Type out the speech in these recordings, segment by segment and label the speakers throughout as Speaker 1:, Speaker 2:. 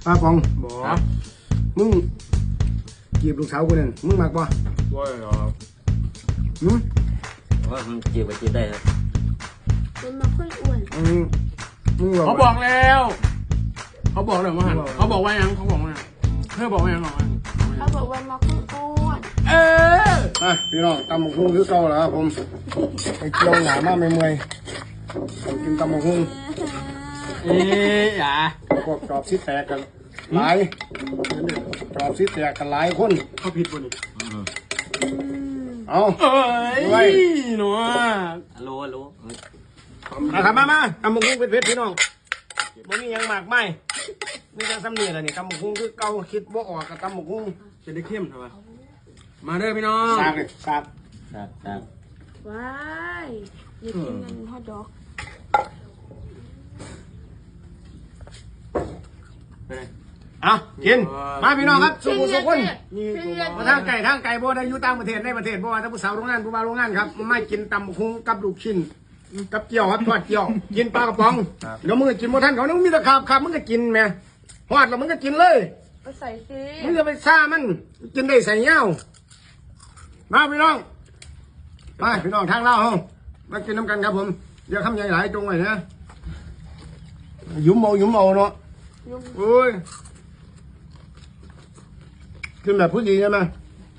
Speaker 1: ป้าปอง
Speaker 2: บ่
Speaker 1: มึงจีบลูกสาวกูเนี่ยมึงมักบ่
Speaker 2: ว่าเหรอ
Speaker 3: ว่ามันจีบไปจีบได้ครับ
Speaker 4: มันมาค่อยอ้วน
Speaker 1: มึง
Speaker 2: เขาบอกแล้วเขาบอกเลยว่าหันเขาบอกว่ายังเขาบอกว่าเธอบอกว่ายังหรอ
Speaker 4: เขาบอกว่ามาค่อยอ้วน
Speaker 1: พี่น้องตำบักหุ่งคือเก่าแล้วครับผมไปเกี่ยวหนามาไม่เมื่อยกินตำบักหุ่ง
Speaker 2: อย่า
Speaker 1: พวกจอบซิแตกกันหลายจอบซิแตกกันหลายคน
Speaker 2: เขาผิดบ่นี่
Speaker 1: เอา
Speaker 2: เอ้ยหนู
Speaker 3: รู้
Speaker 1: ครับมาตำบักหุ่งเป็นเพชรพี่น้องบ่มียังมากไม่มีแต่ซ้ำนี่แหละนี่ตำบักหุ่งคือเก่าคิดบ่ออกกับตำบักหุ่ง
Speaker 2: จะได้เข้มใช่ปะมาเด้อพี่น้อง
Speaker 1: สากเลยสาก
Speaker 3: ครับ
Speaker 4: ว้ายอยากกินเงินฮอทดอก
Speaker 2: ไปไหน
Speaker 1: เอากินมาพี่น้องครับสุขสุขคน
Speaker 4: นี่
Speaker 1: มาทางไก่บ่ได้อยู่ต่างประเทศในประเทศบ่ว่าถ้าผู้สาวโรงงานผู้บ่าวโรงงานครับไม่กินตำบักหุ่งกับลูกชิ้นกับเกี๊ยวครับทอดเกี๊ยวกินปลากระป๋องเดี๋ยวมึงก็กินบ่ทันเขาเนี่ยมึงมีแต่ขาบมึงก็กินแม่ฮอดแล้วมึงก็กินเลย
Speaker 4: ก็ใส่ซิ
Speaker 1: มึงจะไปซ่ามันกินได้ใส่เงามาพี่น้องมาพี่น้องทางเล่าเฮามากินน้ำกันครับผมเดี๋ยวคำใหญ่หลายตรงไว้นะยุ่มเอาเนาะโอ้ยกินแบบผู้หญิงใช่ไหม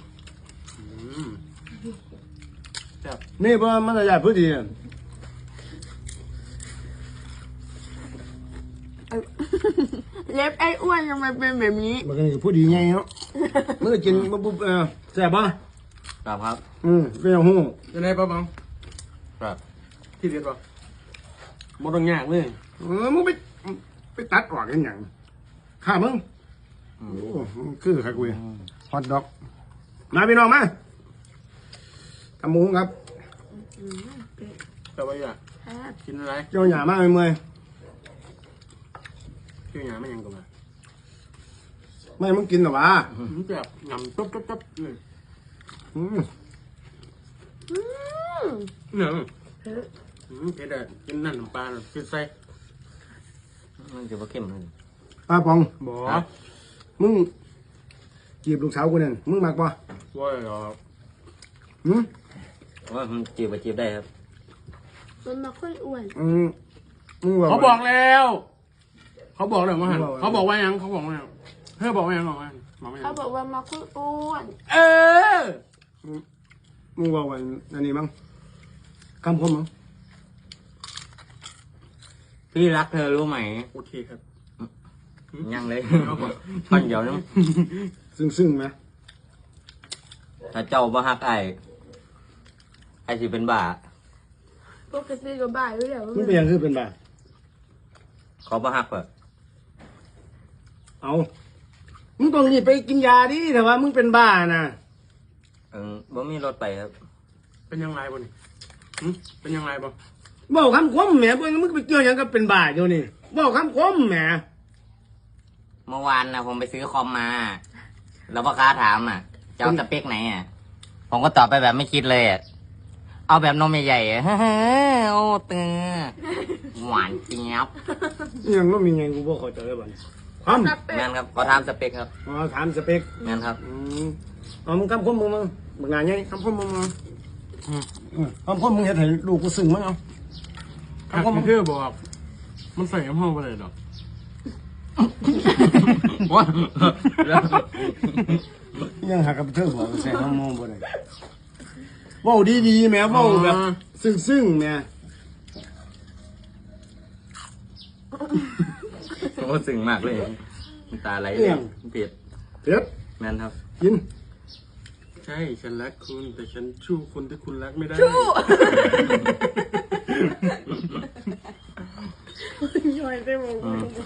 Speaker 1: นี่เพราะมันจะใหญ่ผู้หญิง
Speaker 4: เล็บไอ้อ้วนทำไมเป็นแบบนี้
Speaker 1: มันก็ผู้ดีไงเนาะมันก็กินปุ๊บแซ่บป่ะ
Speaker 3: ครับ
Speaker 1: เป็นอย่างหู
Speaker 2: จะได้ปะบัง
Speaker 3: ครับ
Speaker 2: ที่เด็ดปะหมดต้องยากเลย
Speaker 1: มึงไปตัดออกกันอย่างข้ามึงโอ้คือใครกูฮอตดอกมาพี่น้องมาทำหมูครับ
Speaker 2: แต่ว่าอย่ากินอะไร
Speaker 1: เจ้าหยามาเมื่อย
Speaker 2: เกี่ยวหยาไม่ยังกันมา
Speaker 1: ไม่มึงกินหรอวะ
Speaker 2: แบบงำตุ๊บเลย เนี่ยเผ็ดอ่ะกินนั่นน้ำปลากินไส้
Speaker 3: มันจะว่าเข้มเลย
Speaker 1: ป้าปอง
Speaker 2: บ่
Speaker 1: มึงจีบลูกสาวกูเนี่ยมึงมักป่ะ
Speaker 2: ว่าเหรอ
Speaker 3: ว่ามันจีบไปจีบได้ครับ
Speaker 4: มันมาค่อยอ้วน
Speaker 1: มึง
Speaker 2: เขาบอกแล้วเขาบอกเลยว่าหันเขาบอกว่ายังเขาบอกว่ายังเธอบอกว่ายังหรอบอกว่ายัง
Speaker 4: เขาบอกว่ามาค่อยอ้วน
Speaker 1: มึงบอกว่าอันนี้มั้งคำคมมั้ง
Speaker 3: พี่รักเธอรู้ไหม
Speaker 2: โอเคครับ
Speaker 3: ยังเลยท่อนเดียวนึง
Speaker 1: ซึ่งไหม
Speaker 3: ถ้าเจ้าบ่ฮักไอ้สิเป็นบ้า
Speaker 4: ปกติก็บ่ายอยู่แล้ว
Speaker 1: มึงเป็นยังคือเป็นแบบ
Speaker 3: เขาบ่ฮักแบบ
Speaker 1: เอามึงต้องรีบไปกินยาดิแต่ว่ามึงเป็นบ้านะ
Speaker 3: บ่มีรถไปครับ
Speaker 2: เป็นยังไงบ่นี่เป็นยังไงบ่
Speaker 1: บอกคำคมแหมเพื่อนมึงไปเกี่ยวหยังกับเป็นบ้าเดี๋ยวนี้บอกคำคมแหม
Speaker 3: เมื่อวานนะผมไปซื้อคอมมา แล้วพ่อค้าถามจะเอาสเปคไหนผมก็ตอบไปแบบไม่คิดเลยเอาแบบนมใหญ่ๆโอ้เตือหวานเจี๊ยบ
Speaker 1: ยังไม่มีไงกูบอกเขาใจเลยบ้านความ
Speaker 3: แม่นครับขอถามสเปคครับ
Speaker 1: ถามสเปค
Speaker 3: แม่นครับ
Speaker 1: เอามึงคำคมมึงมึงบางงานไงคำคมมึงคำคมมึงเห็นให้ลูกกูซึ้งมั้งเอา
Speaker 2: คำคมมันคือบอกมันใส่ห้องไปเลยหรอว่า
Speaker 1: ยังหากับเธอบอกใส่น้ำมองบ่ได้ว่าดีๆแหมว่าแบบซึ้งๆแหม
Speaker 3: โอ้สึงมากเลยตาไหลเลยเผ็ด
Speaker 1: เผ็ด
Speaker 3: แม่นครับ
Speaker 1: กิน
Speaker 2: ใช่ฉันรักคุณแต่ฉันชู้คนที่คุณรักไม่ได้
Speaker 4: ชู้ย่อยได้หมด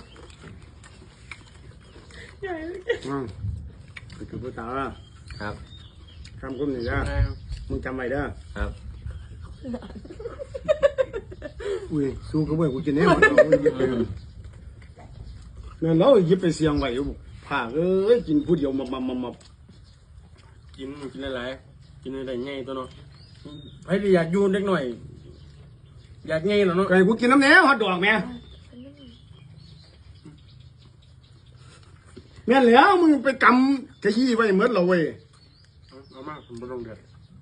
Speaker 4: ย่อย
Speaker 1: ไปกับผู้สาวละ
Speaker 3: ครับ
Speaker 1: คำคมนี่นะมึงจำไว้เด้อ
Speaker 3: ครับ
Speaker 1: อุ้ยสู้กับเว้ยกูกินแน่หมดนั่นเราหยิบไปเสียงไว้อยู่ผ่ากินผู้เดียวมา
Speaker 2: กินอะไรกินอะไรง่ายตัวเนาะใครอยากยูนเล็กหน่อยอยากง่ายหรอเนาะ
Speaker 1: ไก่กูกินน้ำแหนวฮอตดอกแม่แม่นแล้วมึงไปกำขยี้ไว้เหมือนเราเว้ย
Speaker 2: เอามากผมบ่ต้องเดือด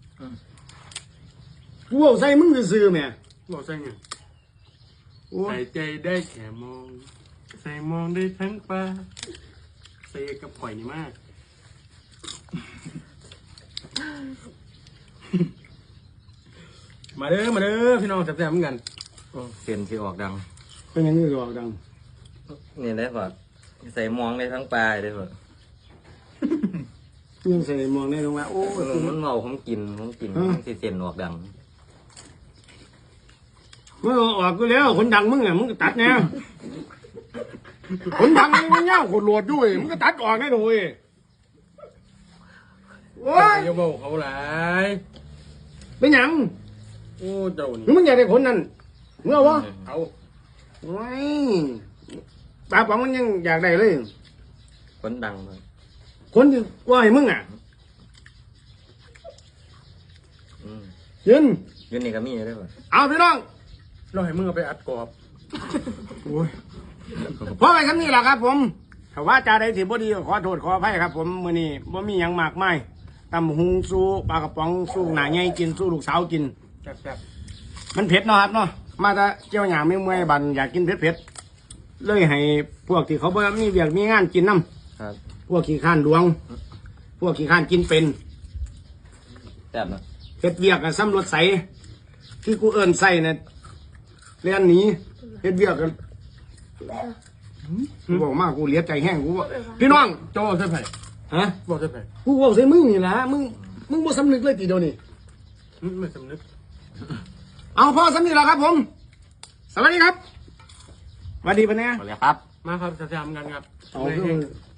Speaker 1: กูเอาใส่มึงซื่อๆแม่
Speaker 2: บอกใส่ไง
Speaker 1: โอ้ย
Speaker 2: ใส่ใจได้แค่มอง ใส่มองได้ทั้งปลาใส่กับข่อยนี่มาก มาเด้อพี่น้องแซ่บๆเหมือนกัน
Speaker 3: เสียนที่ออกดัง
Speaker 1: เป็นอย่างนี้ก็ออกดัง
Speaker 3: นี่ได้ป่ะใส่มองได้ทั้งปลายได้ป่ะ
Speaker 1: ยังใส่มองได้ลงมาโอ้ย
Speaker 3: มันเมาผมกินมันสิเสียนออกดัง
Speaker 1: มึงเอาออกกูแล้วคนดังมึงอ่ะมึงก็ตัดแนวคนดังมึงเงาคนโหลดด้วยมึงก็ตัดออกได้เลยโอ้ย
Speaker 2: อย่าบอกเขาหลาย
Speaker 1: เป็นหยัง
Speaker 2: โอ้เจ้านี่
Speaker 1: มึงอยากได้คนนั้นมึงเอาวะ
Speaker 2: เอา
Speaker 1: โอ้ยปลาป๋องมันยังอยากได้เลย
Speaker 3: คนดังเลย
Speaker 1: คนที่กว่าให้มึงอ่ะ
Speaker 3: อืม
Speaker 1: ยิน
Speaker 3: อยืนนี่ก็มีได้ป่ะ
Speaker 1: เอาพี่น้อง
Speaker 2: เราให้มึงเอาไปอัดกรอบ
Speaker 1: โอ้ยเพราะไอ้คำนี้แหละครับ ผมถ้าว่าจาใดสิบ่ดีก็ขอโทษขออภัยครับ ผมมื้อนี้บ่มีหยังมากมายตำหุงสู้ปลากระป๋องสู้หน้าใหญ่กินสู้ลูกสาวกิน
Speaker 2: แซ่บ
Speaker 1: มันเผ็ดเนาะครับเนาะมาแต่เจียวหยางไม่เมื่อยบันอยากกินเผ็ดๆเลยให้พวกที่เขาบ่มีเวียกมีงานกินน้
Speaker 3: ครับ
Speaker 1: ำพวกขี้ข้านดวง พวกขี้ข้านกินเป็น
Speaker 3: แซ่บเนอะ
Speaker 1: เฮ็ดเวียกกับซ้ำรถใสที่กูเอิ้นใส่เนี่ยเรียนหนีเฮ็ดเวียกกันกูบอกมากกูเหลียใจแห้งกูว่าพี่น้อง
Speaker 2: ๆเจ้าบอกใส่ไผ่
Speaker 1: ฮะ
Speaker 2: บอกใส่ไผ่
Speaker 1: กูบอกใส่มึงนี่แหละมึงบ่สำนึกเลยทีเดียวนี่
Speaker 2: ไม่สำนึก
Speaker 1: เอาพ่อสำนึกแล้วครับ ผม สวัสดีครับสวัสดีปะเนี่ย
Speaker 3: เอาเลยครับ
Speaker 2: มาครับแซ่บๆเหมือนกันครับ
Speaker 1: เอา
Speaker 2: ไม่
Speaker 1: คือ
Speaker 2: แห้ง